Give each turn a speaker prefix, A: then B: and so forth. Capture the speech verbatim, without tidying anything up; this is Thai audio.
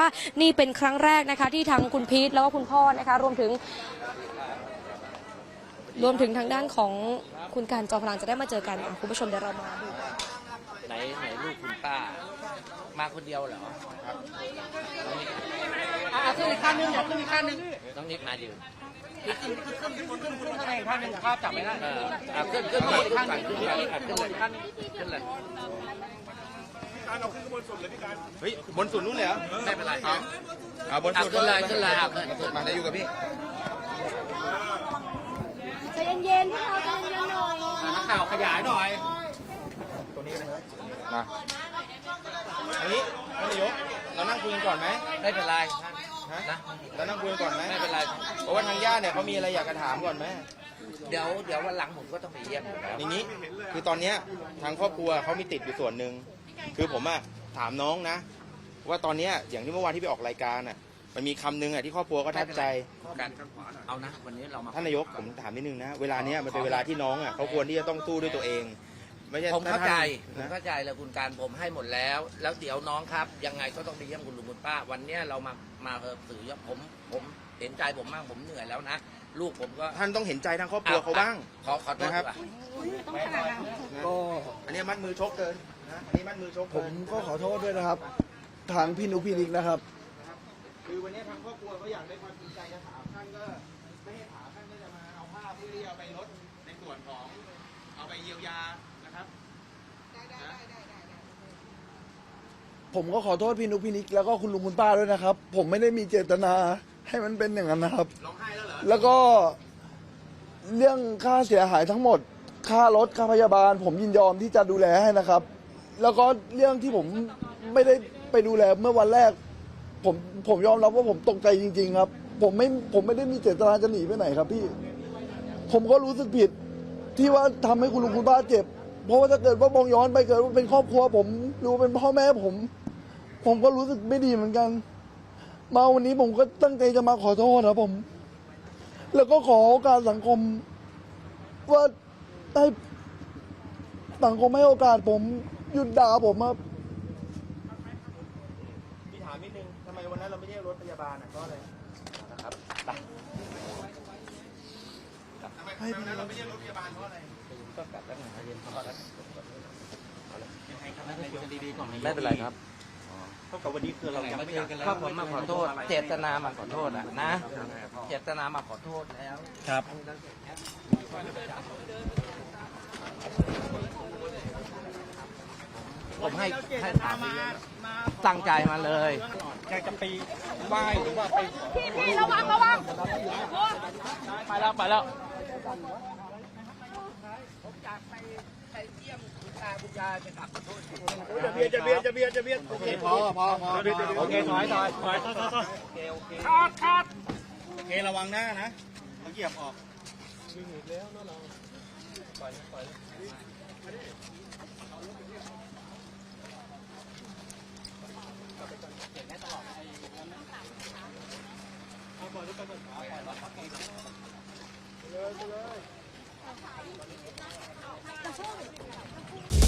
A: ว่านี่เป็นครั้งแรกนะคะที่ทางคุณพีทแล้วก็คุณพ่อนะคะรวมถึงรวมถึงทางด้านของคุณการจอมพลังจะได้มาเจอกันคุณผู้ชมเดี๋ยวเรามาดู
B: ไหนไหนลูกคุณป้ามาคนเดียวเหรอครับ
C: อ่าขึ้นอีกขั้นนึงอย่าขึ้นอีกขั้นนึง
B: น้องนิกมาอยู่
C: ขึ้นขึ้นขึ้นขึ้นขึ้นขึ้นข้างในอีกขั้นนึงภาพจับไม่ได้
B: เอออ่าขึ้นขึ้นขึ้นขึ้นขึ้นขึ้นขึ้นเลยขึ้นเลย
D: การเอาขึ้นบนสุดเลยพี่การเฮ้ยบนสุดนู้นเลยเหรอ
B: ไม่เป็นไรครับ
D: เอาบนสุด
B: ขึ้นเลยขึ้นเลยเอาขึ้น
D: มาได้อยู่กับพี่
A: ใจเย็นๆพี่เขาใจเย็นๆหน่อย
C: นักข่าวขยายหน่อย
D: ตัวนี้นะครับมาอันนี้ท่านนายกเรานั่งคุยกันก่อนไหม
B: ไม่เป็นไร
D: ฮะนะเรานั่งคุยกันก่อนไหม
B: ไม่เป็นไร
D: เพราะว่าทางญาติเนี่ยเขามีอะไรอยากจะถามก่อนไหม
B: เดี๋ยวเดี๋ยววันหลังผมก็ต้องไปเยี่ยมอยู่แล้ว
D: อย่างนี้คือตอนเนี้ยทางครอบครัวเขามีติดอยู่ส่วนหนึ่งคือผมอะถามน้องนะว่าตอนเนี้ยอย่างที่เมื่อวานที่ไปออกรายการอะมันมีคำนึงอะที่ครอบครัวก็ทับใจ
B: กันเอานะวันนี้เรามา
D: ท่านนายกผมถามนิดนึงนะเวลาเนี้ยมันเป็นเวลาที่น้องอะเขาควรที่จะต้องสู้ด้วยตัวเองไม่ใช่
B: ผมเข้าใจผมเข้าใจแล้วคุณการผมให้หมดแล้วแล้วเดี๋ยวน้องครับยังไงก็ต้องไปเยี่ยมคุณลุงคุณป้าวันนี้เรามามาสื่อผมผมเห็นใจผมมากผมเหนื่อยแล้วนะลูกผมก็
D: ท่านต้องเห็นใจทางครอบครัวเขาบ้าง
B: ขอขอโทษครับ
D: ก็อันนี้มัดมือชกเกินนะอันนี้มัดมือชก
E: ผมก็ขอโทษด้วยนะครับทางพี่นุกพี่นิกนะครับ
D: คือวันนี้ทางครอบครัวเขาอยากได้ความจริงใจจะถามท่านก็ไม่ให้ถามท่านก็จะมาเอาภาพเพื่อที่เอาไปลดในส่วนของเอาไปเยียวยานะครับ
E: ผมก็ขอโทษพี่นุกพี่นิกแล้วก็คุณลุงคุณป้าด้วยนะครับผมไม่ได้มีเจตนาให้มันเป็นอย่างนั้นนะครับ
D: ร้องไห้แล้วเหรอ
E: แล้วก็เรื่องค่าเสียหายทั้งหมดค่ารถค่าพยาบาลผมยินยอมที่จะดูแลให้นะครับแล้วก็เรื่องที่ผมไม่ได้ไปดูแลเมื่อวันแรกผมผมยอมรับว่าผมตกใจจริงๆครับผมไม่ผมไม่ได้มีเจตนาจะหนีไปไหนครับพี่ผมก็รู้สึกผิดที่ว่าทำให้คุณลุงคุณป้าเจ็บเพราะว่าถ้าเกิดว่ามองย้อนไปเกิดว่าเป็นครอบครัวผมหรือเป็นพ่อแม่ผมผมก็รู้สึกไม่ดีเหมือนกันมาวันนี้ผมก็ตั้งใจจะมาขอโทษนะผมแล้วก็ขอโอกาสสังคมว่าให้สังคมให้โอกาสผมหยุดด่าผมครับ
D: พี่ถามนิดนึงทำไมวันนั้นเราไม่เรียกรถพยาบาลอ่ะก็อะไรนะครับไปทำไมวันนั้นเราไม่เรียกรถพยาบาลเพราะอะไร
B: ก็กลับแล้วไงเรียนพอแล้ว
D: ไม่เป็นไรครับ
C: เท่ากับวันนี้คือเรายังไม่เจอกันแล้ว
B: ครับผมมาขอโทษเจตนามาขอโทษนะนะเจตนามาขอโทษแล้ว
C: ครับ
B: ผมให้ให้ถามตั้งใจมาเลย
C: อยากจะไปไหว้หรือว่าไป
A: พี่ระวังระวัง
C: ไปแล้วไปแล้ว
B: ผมอยากไปไปเยี่ยมคุณตาคุณยายไปกราบขอโทษ
D: จะเบียดจะเบียดจะเบียดจะเบียดโอเคพอพอพอ
C: โอเคถอยถอยถอยถอยถอย
D: โอเคโอเค
C: ขาดขาด
D: โอเคระวังหน้านะเขาเหยียบออก
C: วิ่งอีกแล้วนะเราปล่อยปล่อย
D: เลยเลย